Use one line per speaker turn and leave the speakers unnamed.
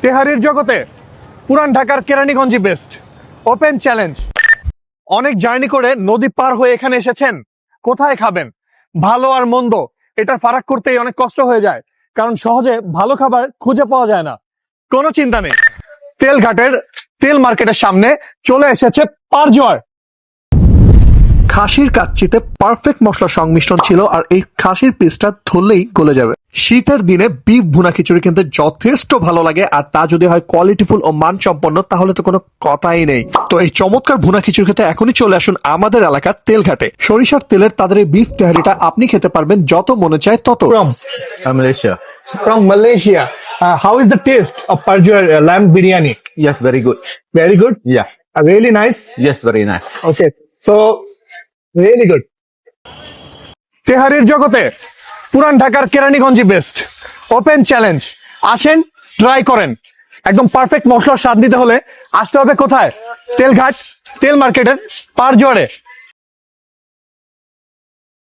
তেহারির জগতে পুরান ঢাকার কেরানীগঞ্জই বেস্ট। Open challenge. অনেক জার্নি করে নদী পার হয়ে এখানে এসেছেন, কোথায় খাবেন? ভালো আর মন্দ এটার ফারাক করতেই অনেক কষ্ট হয়ে যায়, কারণ সহজে ভালো খাবার খুঁজে পাওয়া যায় না। কোনো চিন্তা নেই, তেলঘাটের তেল মার্কেটের সামনে চলে এসেছে পারজোয়ার। খাসির কাচ্চিতে পারফেক্ট মশলা সংমিশ্রণ ছিল, আর এই খাসির পিসটা ধরলেই গলে যাবে। শীতের দিনে বিফ ভুনা খিচুড়ি কিন্তু যথেষ্ট ভালো লাগে, আর তা যদি হয় কোয়ালিটিফুল ও মানসম্পন্ন তাহলে তো কোনো কথাই নেই। তো এই চমৎকার ভুনা খিচুড়ি খেতে এখনই চলে আসুন আমাদের এলাকার তেলঘাটে। সরিষার তেলের তাদের এই বিফ তেহারিটা আপনি খেতে পারবেন যত মনে চায় তত।
Malaysia.
From Malaysia, how is the taste of Parjor lamb biryani?
Yes, very good.
Very good.
Yeah.
Really nice.
Yes, very nice.
Okay, so really good. তেহারির জগতে পুরান ঢাকার কেরানীগঞ্জই বেস্ট। Open challenge. আসেন, ট্রাই করেন। একদম পারফেক্ট মশলার স্বাদ দিতে হলে আসতে হবে কোথায়? তেলঘাট তেল মার্কেটের পারজোয়ারে।